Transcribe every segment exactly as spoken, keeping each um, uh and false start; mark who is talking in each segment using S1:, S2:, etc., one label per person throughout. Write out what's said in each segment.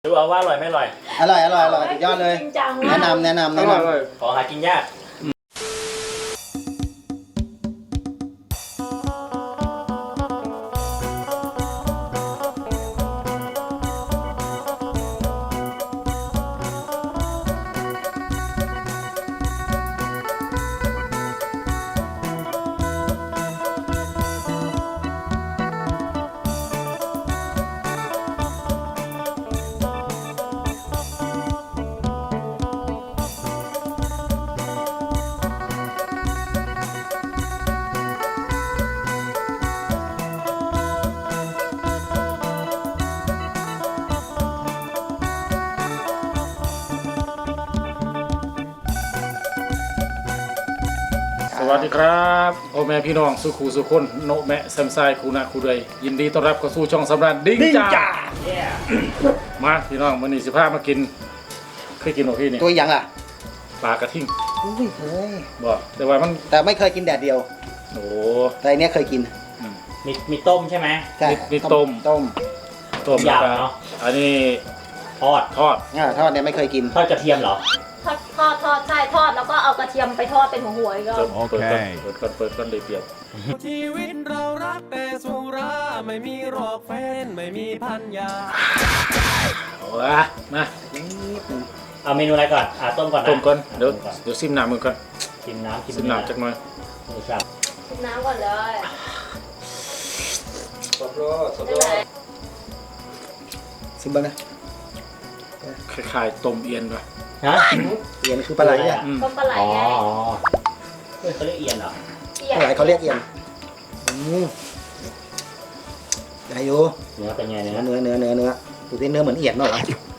S1: ดูเอาว่าอร่อยไม่อร่อย
S2: อร่อยอร่อยอร่อยสุดยอดเลยแนะนำแนะนำแนะน
S1: ำขอหากินยาก
S3: สวัสดีครับพ่อแม่พี่น้องสุขูสุคนโนแมะแซมไซคูนาคูเดยยินดีต้อนรับเข้าสู่ช่องสำราญดิ้งจ่ามาพี่น้องวันนี้สิพามากินเคยกินหรอพี่นี่
S2: ำตัวอย่างล่ะ
S3: ปลากระทิ่ง
S2: อุ้ยเคย
S3: บอกแต่ว่ามัน
S2: แต่ไม่เคยกินแดดเดียว
S3: โอ้
S2: แต่อันนี้เคยกิน
S1: มีมีต้มใช่ไหม
S2: ใช่
S3: มีต้ม
S2: ต้ม
S3: ต้มยาวเนาะอันนี้
S1: ทอด
S3: ทอด
S2: อ่าทอดเนี่ยไม่เคยกิน
S1: ทอดกระเทียมเหรอ
S4: ทอดทอดทอดใช่ทอดแล้วก็เอากระเทียมไปทอดเป็นหัวหัวอีกแล้ว
S3: โอเคเปิดก่อนเปิดก่อนเลยเปรียบ
S5: ชีวิตเรารักแต่สุราไม่มีหรอกแฟนไม่มีพันยา
S3: เอาละมา
S1: เอาเมนูอะไรก่อนอ่ะต้มก่อนนะ
S3: ต้มก่อนเดี๋ยวเดี๋ยวซิมน้ำมือก่อน
S1: ชิมน้ำ
S3: ซิมน้ำจักหน่อย
S4: ชิมน้ำก่อนเลย
S5: สดร้อนสดร้อน
S2: ซิมเบิ้ลนะ
S3: คล้ายๆต้มเอียนป่ะ
S1: ฮะ
S2: เอียนคือปลาไหลอ่ะ
S4: ต้มปลาไหลไง
S1: อ๋อเฮ้ยเขาเรียกเอียนเหรอ
S2: ปลาไหลเขาเรียกเอียนได้อยู่
S1: เนื้อเป็นไงเนื้อ
S2: เนื้อเนื้อเนื้อเนื้อดูที่เนื้อเหมือนเอียนเนาะ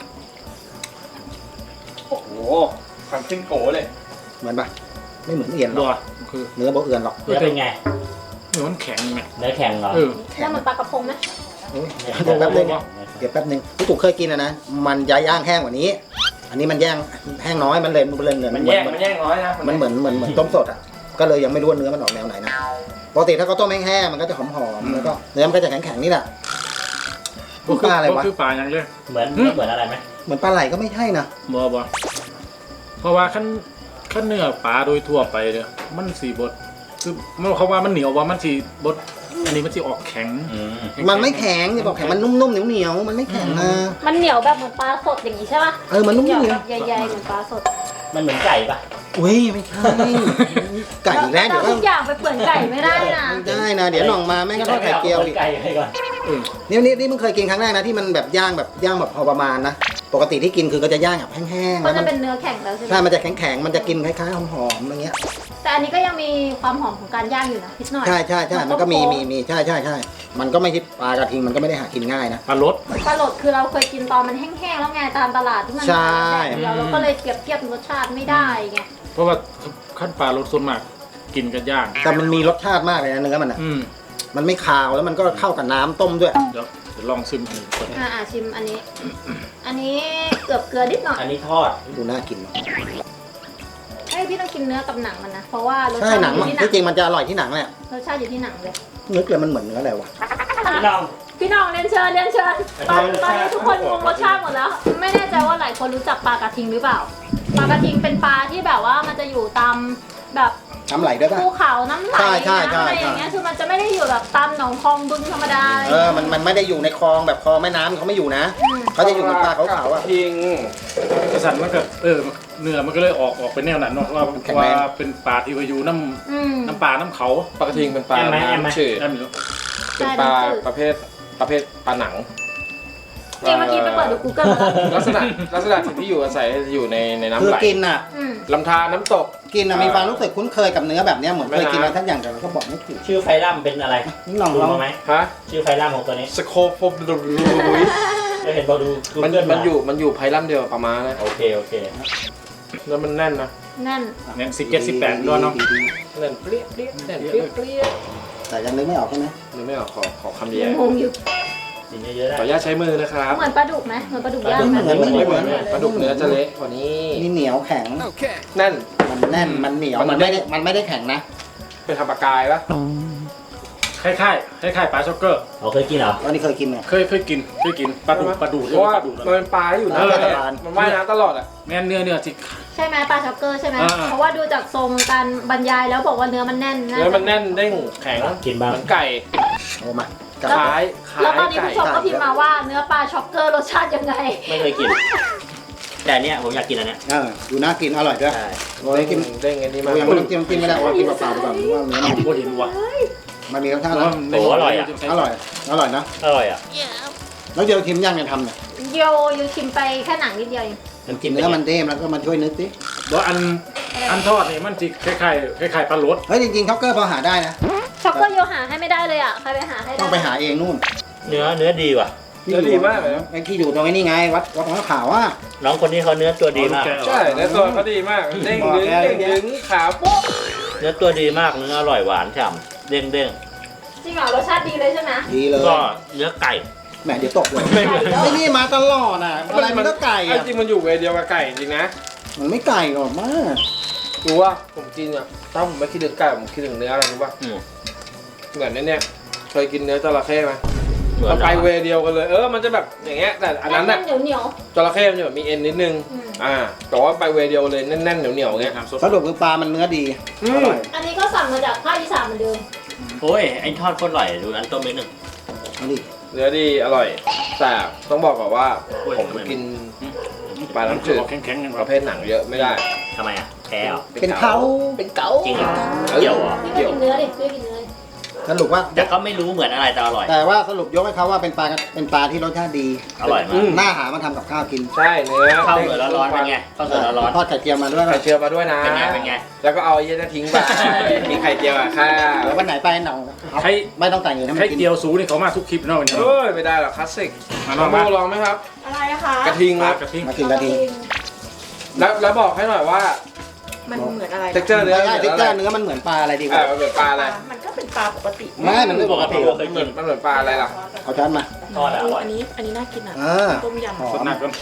S5: โอ้โหขันจิ้งโกเลย
S2: เหมือนปะไม่เหมือนเอียนหรอก
S3: คือ
S2: เนื้อบ่เอื่อนหรอก
S1: เนื้อเป็นไง
S3: เนื้อมันแข็งไง
S1: เนื้อแข็งเหรอ
S4: แล้วมันปลากระพงไหม
S2: เดี๋ยวแป๊บนึงเดี๋ยวแป๊บนึงพี่ตู่เคยกินนะนะมันจะย่างแห้งกว่านี้อันนี้มันย่างแห้งน้อยมันเลยมันเลยเนื้อ
S5: มันแย่งมันแย่งน้อยนะ
S2: มันเหมือนเหมือนเหมือนต้มสดอ่ะก็เลยยังไม่รู้ว่าเนื้อมันออกแนวไหนนะปกติถ้าเขาต้มแห้งๆมันก็จะหอมๆแล้วก็เนื้อมันก็จะแข็งๆนี่แหละปลาอะไรวะ
S3: คือปลาอย่างเงี้ย
S1: เหมือนเหมือนอะไรไหม
S2: เหมือนปลาไหลก็ไม่ใช่นะ
S3: บ่บ่เพราะว่าขั้นขั้นเนื้อปลาโดยทั่วไปเนี่ยมันสีบดคือมันเขาว่ามันเหนียวว่ามันสีบดอันนี้มันจะออกแข็ง
S2: มันไม่แข็งจะบอกแข็งมันนุ่มๆเหนียวๆมันไม่แข็งนะ
S4: มันเหนียวแบบเหมือนปลาสดอย่างนี้ใช่ป่ะ
S2: เออมันนุ่มๆเหนียว
S4: ใหญ่ๆเหมือนปลาสด
S1: มันเหมือนไก่ปะ
S2: อุ้ยไม่ใช่ไก่แล้วเดี๋ยว
S4: ทุกอย่างไปเปื่อนไก่ไม่ได้นะ
S2: ได้นะเดี๋ยวน้องมาแม่ก็ทอดไข่เจียวอีก
S1: ไก่ให้ก่อน
S2: นี่นี่นี่มึงเคยกินครั้งแรกนะที่มันแบบย่างแบบย่างแบบพอประมาณนะปกติที่กินคือก็จะย่างแบบแห้งๆ
S4: มันจะเป็นเนื้อแข็งแล้วใช่ไหม
S2: ใช่มันจะแข็งๆมันจะกินคล้ายๆหอมๆอะไรเงี้ย
S4: แต่อันนี้ก็ยังมีความหอมของการย่างอยู่นะนิดหน่อย
S2: ใช่ใช่ใช่มันก็มีมีมีใช่ใช่ใช่มันก็ไม่ใช่ปลากระทิงมันก็ไม่ได้หากินง่ายนะ
S3: ปลาลด
S4: ปลาลดคือเราเคยกินตอนมันแห้งๆแล้วไงตามตลาดที่มันแบบเดียวเราก็เลยเปรียบเทียบรสชาติไม่ได้ไง
S3: เพราะว่าขั้นปลาลดส่วนมากกินกันย่าง
S2: แต่มันมีรสชาติมากเลยนะเนื้อมันอ่ะมันไม่คาวแล้วมันก็เข้ากับน้ำต้มด้วย
S3: เดี๋ยวลองชิมอันนี้ก่อน
S4: อ่าชิมอันนี้อันนี้เกือบเกลือนิดหน่อย
S1: อันนี้ทอด
S2: ดูน่ากินเนาะ
S4: ไอ้พี่ต้องกินเนื้อกับหนังมันนะเพราะว่ารส
S2: ชาติหนังมันจริงๆมันจะอร่อยที่หนังแหละ
S4: รสชาติอยู่ที่หนังเลย
S2: นึกเลยมันเหมือนเนื้ออะไรวะ
S1: พี่น้อง
S4: พี่น้องเรียนเชิญเรียนเชิญตอนตอนนี้ทุกคนงงรสชาติหมดแล้วไม่แน่ใจว่าหลายคนรู้จักปลากระทิงหรือเปล่าปลากระทิงเป็นปลาที่แบบว่ามันจะอยู่ตามแบบ
S2: น้ำไหลด้วยป่ะ
S4: ภูเขาน้ำไหลน้ำอะไรอย่างเงี้ยคือมันจะไม่ได้อยู่แบบตามหนองคลองบึงธรรมดา
S2: เออมันมันไม่ได้อยู่ในคลองแบบคลองแม่น้ำเขาไม่อยู่นะเขาจะอยู่ในปลาเขาขาวอ่ะ
S5: ทิง
S3: กระสันมันก็เออเนื้อมันก็เลยออกออกเป็นแนวนั้นเนาะว่าว่าเป็นปลาที่อยู่น้ำน้ำปลาน้ำเขา
S5: ปลากระทิงเป็นปลาน้ำจืดเป็นปลาประเภทประเภทปลาหนัง
S4: จริงเมื่อกี้ไปเปิดดู Google
S5: ลักษณะลักษณะที่อยู่อาศัยอยู่ในในน้ำไหล
S2: คือกินอ่ะ
S5: ลำธารน้ำตก
S2: กินอ่ะมีความรู้สึกคุ้นเคยกับเนื้อแบบนี้เหมือนเคยกินอะไรทั้งอย่างแต่เราก็บอกไม่ถูก
S1: ชื่อไฟลัมเป็นอะไร
S2: นี่ลองลอง
S1: ไหมฮะชื่อไฟลัมของตัวนี้
S5: สโคโฟบลู
S1: จะเห็นบอกดู
S5: มันมันอยู่มันอยู่ไพลัมเดียวประมาณนั้น
S1: โอเคโอเค
S5: แล้วมันแน่นนะ
S4: แน่น
S3: แน่นสิบเจ็ดสิบแปดด้วยเนาะ
S5: แน่นเปรี้ยเปรี้ยแน่นเปรี้ยเปรี้ย
S2: แต่ยังนึกไม่ออกใช่ไหม
S5: นึกไม่ออกขอขอคำเดียว
S4: งงอยู่
S5: ขออนุญาตใช้มือนะครับ
S4: เหมือนปลาดุกไหมเหมือนปลาดุกย่างไหม
S5: ไม่เหมือนไม่เหมือนปลาดุกเนื้อจะเละกว่านี้
S2: นี่เหนียวแข็ง
S5: แน่น
S2: มันแน่นมันเหนียวมันไม่ได้มันไม่ได้แข็งนะ
S5: เป็นทำปลากายปะ
S3: คล้ายๆคล้ายๆปลาช็อกเกอร์
S1: เราเคยกินเหรอ
S2: ตอนนี้เคยกินไหม
S3: เคยเคยกินเคยกินปลาดุกปลาดุก
S5: เพราะว่า
S3: ปลาดุก
S5: มันเป็นปลาที่อยู่
S3: เอ
S5: น้ำ
S3: อ
S5: เนี่ยมันว่ายน้ำตลอดอ่ะ
S3: แม่นเนื้อเนื้อจิก
S4: ใช่ไหมปลาช็อกเกอร์ใช่ไหม
S3: อ่า
S4: เพราะว่าดูจากทรงการบรรยายแล้วบอกว่าเนื้อมันแน่นนะ
S5: เนื้อมันแน่นเด้งแข็ง
S1: กินบ้าง
S5: เหมือนไก่
S2: โอ้มา
S5: คล้ายคล้า
S4: แล้วตอน
S5: ย
S4: นี้
S5: ไก่
S4: ผู้ชมก็พิมพ์มาว่าเนื้อปลาช็อกเกอร์รสชาติยังไง
S1: ไม่เคยกิน แต่เนี้ยผมอยากกินอันเนี้ย
S2: เออดูน่ากินอร่อยด้วย
S1: ใช่
S2: โอ้ยกิน
S5: เด้งอันนี้
S2: โอ้
S5: มาย
S2: ยังไม่ต้องกินกินไม่ได้ว่ากินเปล่าๆไปก่อนเพราะว่าเนื้อมัน
S3: ผมก็เห็นว่ะ
S2: มันมีรสชาติ
S3: แล้ว
S2: นะ
S3: มัน
S1: โอ้อร่อยอะ
S2: อร่อยอร่อยนะ
S1: อร่อยอ่ะ
S2: แล้วเดี๋ยวทิมย่างเนี่ยทำเนี่ย
S4: โยยูชิมไปแค่หนังนิดเดียวเอง
S1: น้ำจิ้มเป็น
S2: เนื้อ
S1: ไง
S2: มันเด้มแล้วก็มาช่วยนึกสิ
S3: แล้วอันอันทอดนี่มันจิคล้ายๆคล้ายๆปลาโรส
S2: เฮ้ยจริงๆช็อกเกอร์พอหาได้นะ
S4: ช็อกเกอร์โยหาให้ไม่ได้เลยอ่ะใครไปหาให้ได้
S2: ต้องไปหาเองนู่น
S1: เนื้อเนื้อดีว่ะ
S5: เนื้อดีมากเลยนะ
S2: ไอ้ที่อยู่ตรงไอ้นี่ไงวัดวัดของขาวอ่ะ
S1: น้องคนนี้เขาเนื้อตัวดีมาก
S5: ใช่เนื้อตัวเขาดีมากเด้งดึงเด้งดึงขาวปุ๊บ
S1: เนื้อตัวดีมากเนื้ออร่อยหวานฉ่ำเด้งเด้ง
S4: จริงเหรอรสชาติดีเลยใช่ไหม
S2: ดีเลย
S1: ก็เนื้อไก่
S2: แหมเดี๋ยวตกเลยไอ้นี่มาตลอดอ่ะอะไรมันก็ไก่
S5: ไอ้
S2: อ่ะ
S5: จริงมันอยู่เวรเดียวกับไก่จริงนะ
S2: มันไม่ไก่หรอกมาก
S5: รู้ว่าผมกินอ่ะถ้าผมไม่คิดถึงไก่ผมคิดถึงเนื้ออะไรรู้ป่ะ
S1: อืม
S5: เหมือนเนี่ยเคยกินเนื้อจระเข้ไหม
S1: เหมือ
S5: มัน นไป
S1: เหรอ
S5: เวรเดียวกันเลยเออมันจะแบบอย่างเงี้ยแต่อันนั้น
S4: แน่
S5: น่ะ
S4: นๆเหนียวเหนียว
S5: จระเข้มันจะแบบมีเอ็นนิดนึง
S4: อืม
S5: อ่าแต่ว่าไปเวรเดียวเลยแน่นๆเหนียวๆเงี้ย
S3: น้ำซุป
S2: สรุปคือปลามันเนื้อดี
S5: อื
S2: อ
S5: ม
S2: ร่อย
S4: อันนี้ก็สั่งมาจากภาคอีสานเหมือนเดิม
S1: โอ้ยไอ้ทอดโคตรอร่อยดูอันต้มนิดหนึ่ง
S2: เอาดิ
S5: เนื้อดีอร่อยแต่ต้องบอกก่อนว่า
S1: โอ้ย
S5: ผมกินปลาน้ำจืด
S3: แข็งๆกัน
S5: ป
S3: ครั
S5: ระ
S3: บ
S5: เภทหนังเยอะไม่ได้
S1: ทำไมอ่ะแพ้เหรอ
S2: เป็นเขา
S5: เป็นเก๋า
S1: จริงเหรอเกี่ยวเหรอ
S4: พี่ไม่กินเนื้อดิพี่ไม่กินเนื้อ
S2: สรุปว่า
S1: แต่ก็ไม่รู้เหมือนอะไรแต่อร่อย
S2: แต่ว่าสรุปยกให้เขาว่าเป็นปลาเป็นปลาที่รสชาติดี
S1: อร่อยมาก
S2: น่าหามาทำกับข้าวกิน
S5: ใช่เนื้อ
S1: ข้าวเหนียวร้อนๆเป็นไงข้าวเหนียวร้อน
S2: ทอดไข่เจียวมาด้วย
S5: ไข่
S2: นะ
S5: เจียวมาด้วยนะ
S1: เป็นไงเป็นไง
S5: แล้วก็เอาไอ้เหี้ยนั่นทิ้งไปมีไข่เจียวอ่ะข้าว
S2: แล้ววันไหนไปหนองเอา
S3: ใคร
S2: ไม่ต้องแต่งเงินให้มั
S3: ใคร
S2: นกิน
S3: เดียวสูนี่เขามาทุกคลิปเนาะวันนี้
S5: เอ้ยไม่ได้หรอกคลาสสิก
S3: มา
S5: ล
S3: ล
S5: อ
S3: อง ง
S5: มา
S3: มา
S5: ลองไหมครับ
S6: อะไรนะคะ
S5: กระทิง
S3: ปลา
S5: ครับ
S3: กระทิง
S2: มากินกะทิ
S5: แล้วแล้วบอกให้หน่อยว่า
S6: มันเหมือนอะไร
S5: เท็กเจอร์เนื้อ
S2: ไม่ได้
S5: เหมื
S2: ติ๊
S5: อก น
S2: เจ
S5: อะ
S2: อ
S5: ไร
S2: ร์เนื้อมันเหมือนปลาอะไรดีก
S5: อ่า
S2: ว่า
S5: มันเหมือนปลาอะไร
S6: มันก็เป็นปลาปกติ
S2: ไม่มันไม่
S1: ปกติเราเคย
S5: เหมื
S1: กิ
S5: อน นมันเหมือนปลาอะไรล่ะ
S2: เอาช้อนมา
S1: ทอดอะอร่อย
S6: อันนี้อันนี้น่ากินอ่ะ
S2: อ่า
S6: ต้มย
S2: หอ
S3: สด
S2: ม
S3: หนักกัน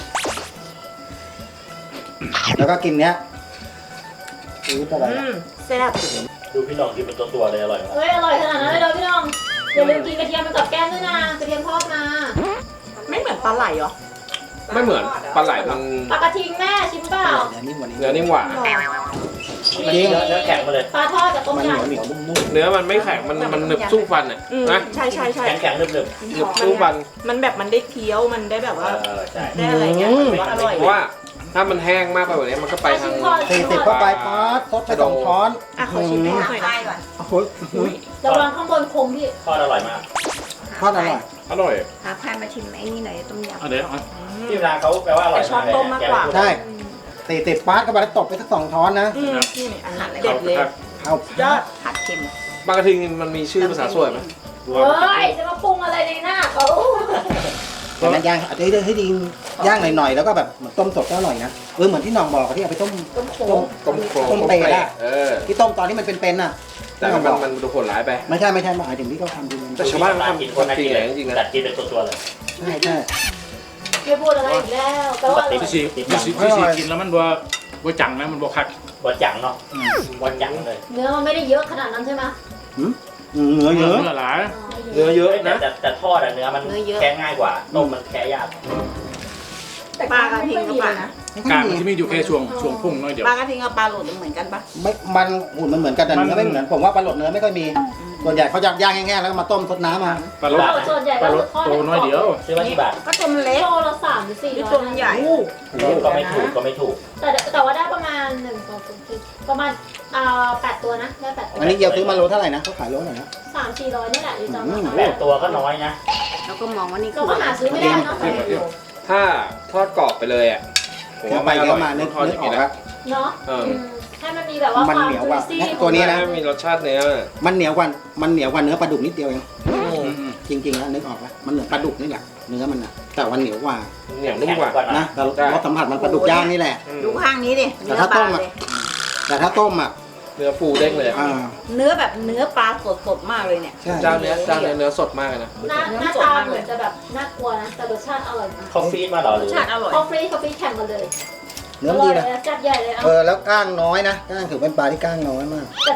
S2: แล้วก็กินเนี้ยซื้อ
S6: ำ
S2: อะไร
S6: อืมแซ่บ
S1: ดูพี่น้องกินเป็นตัวๆเลยอร่อยมาก
S4: เฮ้ยอร่อยขนาดนั้นเลยเหรอพี่น้องอย่าลืมกินกระเทียมเป็นกับแก้มด้วยนะกระเทียมทอดมา
S6: ไม่เหมือนปลาไหลเหรอ
S5: ไม่เหมือนปลาไหลมัน
S4: ปลากระทิงแม่ชิมเปล่า
S2: เนื้อนิ่มกว่านี้
S5: เนื้อนิ่มหวาน
S6: หรอ
S1: มันเนื้อเนื้อแข็งมาเลย
S4: ปลาทอดกับต้ม
S2: มันเหนียวย
S4: ำ
S2: เหนียวนุ่ม
S5: เนื้อมันไม่แข็งมันมันหนึบสู้ฟันอ่ะ
S6: อืม
S5: นะ
S6: ใช่ใช่ใช่
S1: แข็งแข็งๆนึบ
S5: หนึบสู้ฟัน
S6: มันแบบมันได้เคี้ยวมันได้แบบ
S1: ๆเอ
S6: ว่า
S1: อใช่
S6: ได้อะไรเงี้ยถือว่าอร่อย
S5: เพราะว่าถ้ามันแห้งมากไปกว่านี้มันก็ไปทาง
S2: ๆสี่สิบเข้าไปป๊อดซดไปสองช้อน
S6: อ่ะขอชิมให้หน่อยนะ
S2: โอ้โห
S4: ระวังข้างบนคมพี่
S1: ทอดอร่อยมาก
S2: ทอดอร่อย
S5: อร่อย
S6: หาพายมาชิมไอ้นี่หน่อยต้มยำ
S3: เอาเดี๋ยวเอา
S1: ที่เวลาเขาแปลว่าอร่อย
S6: แต่ชอบต้มมากกว่า
S2: ใช่สี่สิบป๊อดเข้าไปแล้วตบไปสักสองช้อนนะ
S6: อืมนี่อันนี้เด็ดเลย
S2: เอา
S6: ยอดผัดเค็ม
S5: ปลากระทิงมันมีชื่อภาษาสวยไหม
S4: เฮ้ยจะมาปรุงอะไรในหน้าเขา
S2: แต่มันย่างอาจจะให้ให้ดีย่างหน่อยๆแล้วก็แบบเหมือนต้มสดก็อร่อยนะเออเหมือนที่น้องบอกอะที่เอาไปต้ม
S4: ต้มโข
S2: ต้
S4: ง
S2: ม
S5: ต้มโครง
S2: ต้มเปรย์อะ
S5: เออ
S2: ที่ต้มตอนที่มันเป็นๆน่ะ
S5: แต่มันมันดูโหดร้ายไป
S2: ไม่ใช่ไม่ใช่หมายถึงที่เขาทำจริง
S5: แต่ชาวบ้านเขา
S1: กิน
S5: ทำ
S1: คนน่า
S5: จริ
S1: กิ
S5: ง
S1: น
S5: เล
S1: เลย ย
S5: จริงๆนะ
S1: จัดกินเป็นตัวๆเลย
S2: ใช่ใช่
S4: ไม่พูดอะไรอีกแล้วแปลว่าอร่อย
S3: พี่สีพี่สีพี่สีกินแล้วมันบ่บ่จังนะมันบ่คัก
S1: บะจังเนาะบะจังเลย
S4: เนื้อมันไม่ได้เยอะขนาดนั้นใช่ไหม
S2: หืมเนื้อเยอะ
S3: เนื้อหลาย
S5: เนื้อเยอะ
S1: แต่
S5: นะ
S1: แต่แต่ทอดอะเนื้อมันแค่ง่ายกว่าต้มมันแค่ยาก
S6: ปลากระทิงกับปลานะ
S3: กลางมันจะมีอยู่แค่ช่วงช่วงพุ่งน้อยเดียว
S6: ปลากระทิงกับปลาโหลดเหมือนกันปะ
S2: ไม่มันหุ่นมันเหมือนกันแต่เนื้อไม่เหมือนผมว่าปลาหลดเนื้อไม่ค่อยมีส่วนใหญ่เขาจะย่างแห้งๆแล้วก็มาต้มซดน้ำมา
S3: ปลาโรส
S4: ส่วนใหญ่
S3: ป
S4: ก็
S3: ลาโร
S4: คือ
S3: ส
S4: ทอด
S3: โตน้อยเดียว
S1: ซื้อมากี่บาท
S6: ก็ตัวมันเล็ก
S4: โลละสามหรือสี่
S6: นี่
S4: ร้อย
S6: ตัวมันใหญ่
S1: ก็ไม่ถูกก็ไม่ถูก
S4: แต่แต่ว่าได้ประมาณหนึ่งสองสามสี่ประมาณอ่าแปดตัวนะได้แปดตัว
S2: อันนี้เยียวซื้อมาโลเท่าไหร่นะเขาขายโลเท่าไหร่นะ
S4: สามสี่ร้อยนี่แหละอยู่จำ
S2: อืม
S4: ได้
S1: แปดตัวก็น้อยนะ
S6: แล้วก็มองว่านี่
S4: เราก็หาซื้อไม่ได้เนาะ
S5: ถ้าทอดกรอบไปเลยอ่ะผม
S2: เดี๋ยว
S5: ว่า
S2: ไป
S5: ไม่อ
S2: เดี๋ย
S5: ร่อ
S2: วย มานึก
S5: ทอดอ
S2: นึก
S5: ย่าง
S2: ออ
S5: นี้
S2: ก
S5: นะ
S2: ว่า
S4: เนาะ
S5: เออ
S4: อืมให้มันมีแบบว่า
S2: มัน
S4: ความ
S2: เหนียว
S4: จุ
S2: กว่า
S4: ซี่
S2: ตัวนี้นะ
S5: ให้มีรสชาติเนื้อ
S2: มันเหนียวกว่ามันเหนียวกว่าเนื้อปลาดุกนิดเดียวเอง
S5: อืม
S3: อืม
S2: จริงๆแล้วนึกออกไหมมันเหมือนปลาดุกนี่แหละเนื้อมันนะแต่วันเหนียวกว่า
S5: เหนียวนุ่มกว่า
S2: นะแต่รสสัมผัสมันปลาดุกย่างนี่แหละ
S5: อืม
S6: ดูข้างนี้ดิ
S2: แต่ถ้าต้มอะ แต่ถ้าต้มอ่ะ
S5: เนื้อฟูเด้งเลย
S2: อ่า
S6: เนื้อแบบเนื้อปลาสดสดๆมากเลยเนี่ย
S2: ใช่
S5: เจ้าเนื้อเจ้าเนื้อเนื้อสดมากเลยนะ
S4: หน้าหน้าตาเหมือนจะแบบน่ากลัวนะแต่รสชาติอร่อยมาก
S1: เขาฟีดมาเหรอห
S6: ร
S1: รื
S6: ส
S1: อ
S6: ชาติอร่อย
S4: คอฟฟี่คอฟฟี่แข่งกันเลย
S2: เนื้อ
S4: อ
S2: มัน
S4: ร่อ
S2: ดี
S4: ย
S2: นะ
S4: จัดใหญ่เลยเอา
S2: เออแล้วก้างน้อยนะก้างถือเป็นปลาที่ก้างน้อยมาก
S4: แต่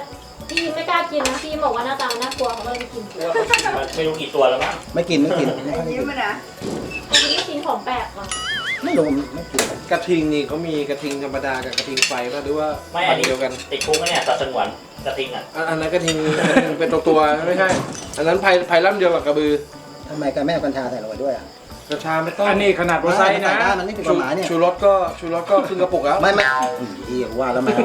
S4: พี่ไม่กล้ากินนะพี่บอกว่าหน้าตาน่ากลัวเขาเลยไม่กิน
S1: มันไม่รู้กี่ตัวแล้วมั้ง
S2: ไม่กินไม่กินไม่ค่อยได้
S6: ยิ้
S2: กิ
S6: ม
S2: น
S6: มันนะ
S4: อันนี้กินของแปลกเหรอ
S2: ไม่รู้ไม่กิน
S7: กระทิงนี่เขามีกระทิงธรรมดากับกระทิงไฟป่ะหรือว่า
S1: ไม่
S7: พั
S1: อั
S7: น
S1: น
S7: ธุ์
S1: นี้
S7: เดียวกัน
S1: ติดคุกนะเนี่ยสัตว์สงวนกระทิงอ่ะ
S7: อันอันนั้นกระทิงกระทิงเป็นตัวตัวๆไม่ใช่ อันนั้นไผ่ไผ่ล่ำเดียวกับกระบือ
S2: ทำไมกันแม่เอากัญชาใส่ลงไปด้วยอ่ะ
S7: กระชาไม่ต้อง
S3: อันนี้ขนาดว่าไซส์นะ
S2: ใส่ได้มันไม่ผิดกฎหมายเนี่ย
S7: ชูรสก็ชูรสก็ครึ่งกระปุกแล้ว
S2: ไม่ไม่อีกว่าแล้วมา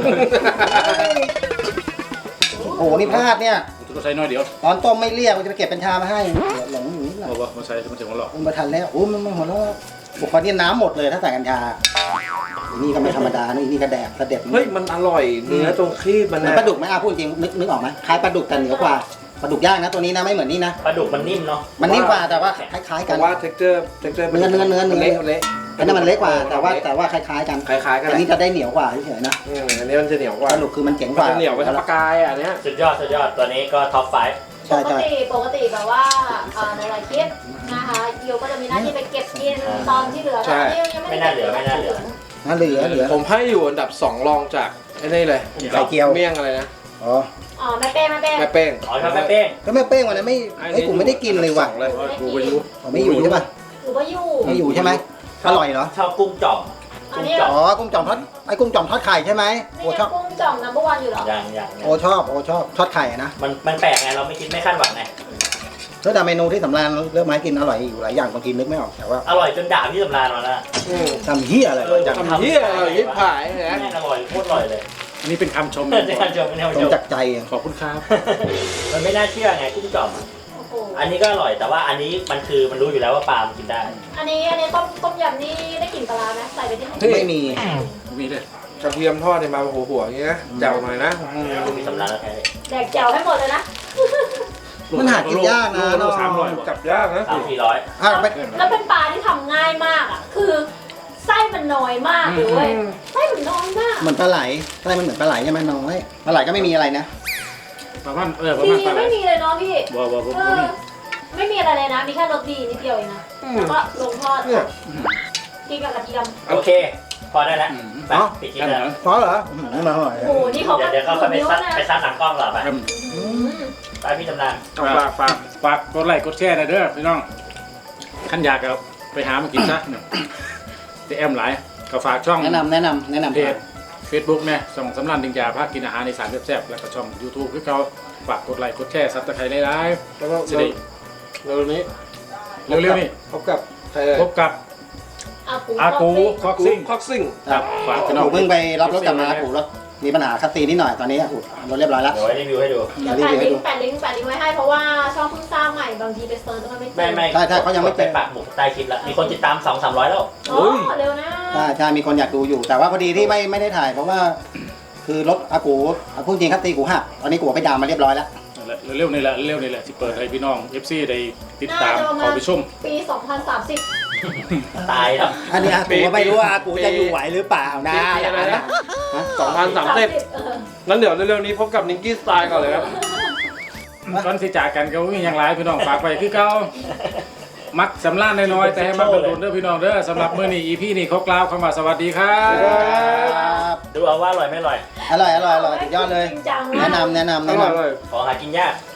S2: โอ้โหนี่พลาดเนี่ย
S3: ตัวไซส์น้อยเดียว
S2: ตอนต้มไม่เรียกมันจะไปเก็บกัญชามาให้หลงอย่างนี้แหละ
S3: บอกว่ามาใส่มันถึงหัวหลอก
S2: มันมาทันแล้วโอ้มันมันหัวเราะบุคคลนี่น้ำหมดเลยถ้าใส่กัญชาอันนี่ก็ไม่ธรรมดานี่นี่ก็แดกกระเด็ด
S7: เฮ้ยมันอร่อยเนื้อตรงครีบมัน
S2: เหมือน
S7: นะ
S2: ปลาดุกไหมอาพูดจริงนึกนึกออกไหมคล้ายปลาดุกแต่เหนือกว่าปลาดุกย่างนะตัวนี้นะไม่เหมือนนี่นะ
S1: ปลาดุกมันนิ่มเนาะ
S2: มันนิ่มกว่าแต่ว่าคล้าย ๆ
S7: เพ
S2: กัน
S7: ราะว่า texture texture
S2: เนื้อเนื้อเนื้อเนื้อ
S7: เละเละ
S2: อันนั้นมันเล็กกว่าแต่ว่าแต่ว่าคล้ายๆกัน
S7: คล้ายๆกัน
S2: อันนี้จะได้เหนียวกว่าเฉยๆนะ
S7: อืมอันนี้มันจะเหนียวกว่า
S2: ปลาดุกคือมันเจ๋ง
S7: มัน
S2: กว่า
S7: จะเหนียวไปทั้งปลากายอ่ะอันเนี้ย
S1: สุดยอดสุดยอดตัวนี้ก็ท็อปไฟว์
S4: ป
S2: ใช่
S4: ก
S2: ใช่
S4: ติปกติแบบว่าเอ่อในหลายคลิปนะคะยิวก็จะมีหน้าที่ไปเก็บกินตอนที่เหลือแต่นี่ยังไม่ได้เก็บ
S2: น่าเหลือเหลือ
S7: ผมให้อยู่อันดับสองรองจากไอ้นี่เลย
S2: ไข่เจียว
S7: เมี่ยงอะไรนะ
S2: อ๋อ
S4: อ๋อแม่เป้แม่เป้
S7: แม่เป้ง
S1: อ๋อชอบแม่เป้ง
S2: ก็แม่เป้งวันนั้นไม่ไอ้ยผมไม่ได้กินเลยว่ะ
S7: สองเลย
S3: กูไปอยู่
S2: อ๋อไม่อยู่ใช่ป่ะ
S4: หรือว่าอยู่
S2: ไม่อยู่ใช่ไหมอร่อยเหรอ
S1: ชอบกุ้งจ่อม
S4: อันนี้
S2: อ๋อกุ้งจ่อมทอดไอ้กุ้งจ่อมทอดไข่ใช่ไหม
S4: นี่
S2: โอ้
S4: ไง
S2: ชอบ
S4: กุ้งจ่อมนัมเบอร์วันอยู่เหรอ
S1: อย่างอย่าง
S2: โอ้ชอบโอ้ชอบทอดไข่อะนะ
S1: มันมันแปลกไงเราไม่คิดไม่คาดหวังไง
S2: แล้วแต่เมนูที่สำราญเลือกมาให้กินอร่อยอยู่หลายอย่างบางทีนึกไม่ออกแต่ว่า
S1: อร่อยจนด่าพี่สำราญมาแล้ว
S7: อืม
S2: ทำเฮียอะไรจัง
S7: ทำเหี้ยอะไรยิบผายนะ
S1: แม่งอร่อยโคตรอร่อยเลย
S3: อันนี้เป็นคำชม
S1: ในการชมในการ
S2: ตร
S1: ช
S2: ง
S1: ม
S2: จากใจอะ
S3: ขอบคุณครับ
S1: มันไม่น่าเชื่อไงกุ้งจ่อม
S4: โอ้โห
S1: อันนี้ก็อร่อยแต่ว่าอันนี้มันคือมันรู้อยู่แล้วว่าปลามันกินได้
S4: อันนี้อันนี้ต้มต้มยำนี่ได้กลิ่นปลาร้าไหมใส่ไปที่ไหน
S2: ไม่มี
S3: มีเลย
S7: กระเทียมทอดเนี่ยมาหัวหัวๆอย่างเงี้ยนะแจ่วหน่อยนะ
S1: พี่สำราญแล้วแท้
S4: แดกแจ่วให้หมดเลยนะ
S2: มันหากินยากนะ
S3: โลสามร้อยกว่า
S7: จับยากนะ
S1: สามสี่ร้อย
S2: อ่ะไป
S4: แล้วเป็นปลาที่ทำง่ายมากอ่ะ คือไส้มันน้อยมากเลยไส้มันน้อยมาก
S2: เหมือนปลาไหลปลาไหลมันเหมือนปลาไหลใช่ไหมน้อยปลาไหลก็ไม่มีอะไรนะ
S3: ประมาณเออประ
S4: ดี
S3: มาณปลาไหล
S4: ไม่มีเลยเนาะพี่
S3: บ่บ่บ่
S4: เอ
S3: บ่
S4: อ
S3: มี
S4: ไม่มีอะไรเลยนะ มีแค่รสดีนิดเดียวเองนะ แล้วก็ลงทอด
S7: เนี่ย
S4: กินกับกระเทียม
S1: โอเค พอได้แล้วไปปิดคลิปแล้ว
S2: เพราะเหรออืมไม่มาอร่อย
S4: โอ้โห นี่เขา
S1: เดี๋ยวเดี๋ยวเขาไป
S4: นิ้ว
S1: ซัด
S4: นะ
S1: ไปซัดหลังกล้องเหรอไป
S3: ครับ
S4: อืม
S1: ไปพี่สำราญ
S3: ฝากฝากฝากกดไลค์กดแชร์หนะเด้อพี่น้องขันอยากก็ไปหามากินซะเนี่ยแต่แอมหลายก็ฝากช่อง
S2: แนะนำแนะนำแนะนำ
S3: เพจ Facebook เนี่ยส่องสำรันดิงยาพากินอาหารในสารแซ่บๆแล้วก็ช่อง YouTube คือเขาฝากกดไลค์กดแชร์ซับสไครต์หลาย
S7: แล้วก็
S3: ๆจะได้
S7: เร็วๆนี้
S3: เร็วๆนี่
S7: พบกับใครเอ่ย
S3: พบกับ
S4: อากู
S3: อากูคอกซิ่ง
S7: คอกซิ่ง
S3: ครับฝากพี่น้อง
S2: ผมเพิ่งไปรับรถกลับมาถูกรถมีปัญหาคัสซีนิดหน่อยตอนนี้ถูกรถเรียบร้อยแล้ว
S1: เดี๋ยวไว้รีวิวให้ดู
S4: เดี๋ยวแปะลิงก์แปะลิงก์แปะลิงก์ไว้ให้เพราะว่าช่องเพิ่งสร้างใหม่บางทีไปเซิร์ชแล้วมันไม่เจอ
S1: ไม่ไม่
S2: ใช่ใช่เขายังไม่
S1: ไป
S2: เจอ
S1: ปักหมุดใต้คลิปแล้วมีคนติดตามสองสามร้อยแล้ว
S4: โอ้เร็วนะ
S2: ใช่ใช่มีคนอยากดูอยู่ แต่ว่าพอดีที่ไม่ไม่ได้ถ่าย เพราะว่า คือรถอากูอาพูดจริงคัสซีกูหักตอนนี้กูเอาไปดามมาเรียบร้อยแล้ว
S3: เร็วๆนี่แหละเร็วๆนี่แหละที่เปิดให้พี่น้อง เอฟ ซี ได้ติดตาม
S4: น่าจะประมาณ
S3: ขอไปชม
S4: ปีสองพันสามสิบ
S1: ตายแล้ว
S2: อันนี้อากูก็ไม่รู้ว่าอากูจะอยู่ไหวหรือเปล่านะ
S7: ปีอะไรนะ
S2: ฮะ
S7: สองพันสามสิบ
S4: เออ
S7: งั้นเดี๋ยวเร็วๆนี้พบกับนิงกี้สไตล์ก่อนเลยครับ
S3: ก่อนสิจากกันก็มีอย่างไรพี่น้องฝากไปคือเก่ามักสำล้านน้อยๆแต่ให้มักโดนๆเด้อพี่น้องเด้อสำหรับมื้อนี้ อี พี นี้ขอกล่าวคำว่าสวัสดีครับ
S2: ครับ
S1: ดูเอาว่าอร่อยไม่อร่อย
S2: อร่อยอร่อยอร่อยสุดยอดเลย
S4: จริงจัง
S2: แนะ
S4: มาก
S2: นำแนะนำ
S7: อ
S2: แนะ
S7: ร่อย
S2: นำ
S7: เลย
S1: ของหากินยาก